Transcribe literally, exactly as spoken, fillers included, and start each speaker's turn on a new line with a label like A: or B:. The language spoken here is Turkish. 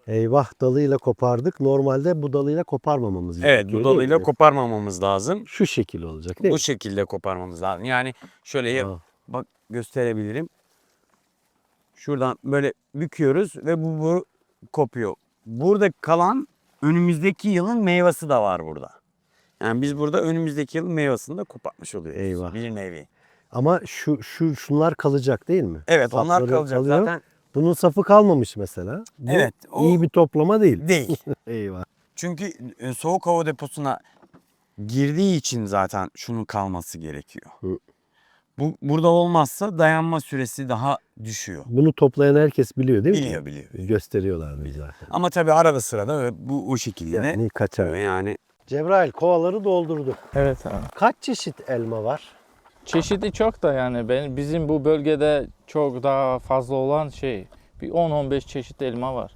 A: Eyvah, dalıyla kopardık. Normalde bu dalıyla koparmamamız
B: Evet,
A: gerekiyor.
B: bu
A: değil
B: dalıyla
A: mi?
B: koparmamamız lazım.
A: Şu şekil olacak değil
B: Bu
A: mi?
B: şekilde koparmamız lazım. Yani şöyle yap-
A: Aa,
B: bak gösterebilirim. Şuradan böyle büküyoruz ve bu, bu kopuyor. Burada kalan önümüzdeki yılın meyvesi de var burada. Yani biz burada önümüzdeki yılın meyvesini de kopartmış oluyoruz.
A: Eyvah.
B: Bir nevi.
A: Ama şu şu şunlar kalacak değil mi?
B: Evet, onlar
A: Sapları
B: kalacak
A: kalıyor.
B: zaten.
A: Bunun safı kalmamış mesela. Bu
B: Evet, o
A: iyi bir toplama değil.
B: değil.
A: Eyvah.
B: Çünkü e, soğuk hava deposuna girdiği için zaten şunun kalması gerekiyor.
A: Hı.
B: Bu burada olmazsa dayanma süresi daha düşüyor.
A: Bunu toplayan herkes biliyor değil mi?
B: Biliyor biliyor.
A: Gösteriyorlar bize zaten.
B: Ama tabii arada sırada bu o şekilde de
A: Yani kaçar.
B: yani
A: Cebrail kovaları doldurdu.
C: Evet abi.
A: Kaç çeşit elma var?
C: Çeşidi çok da yani ben, bizim bu bölgede çok daha fazla olan şey bir on on beş çeşit elma var.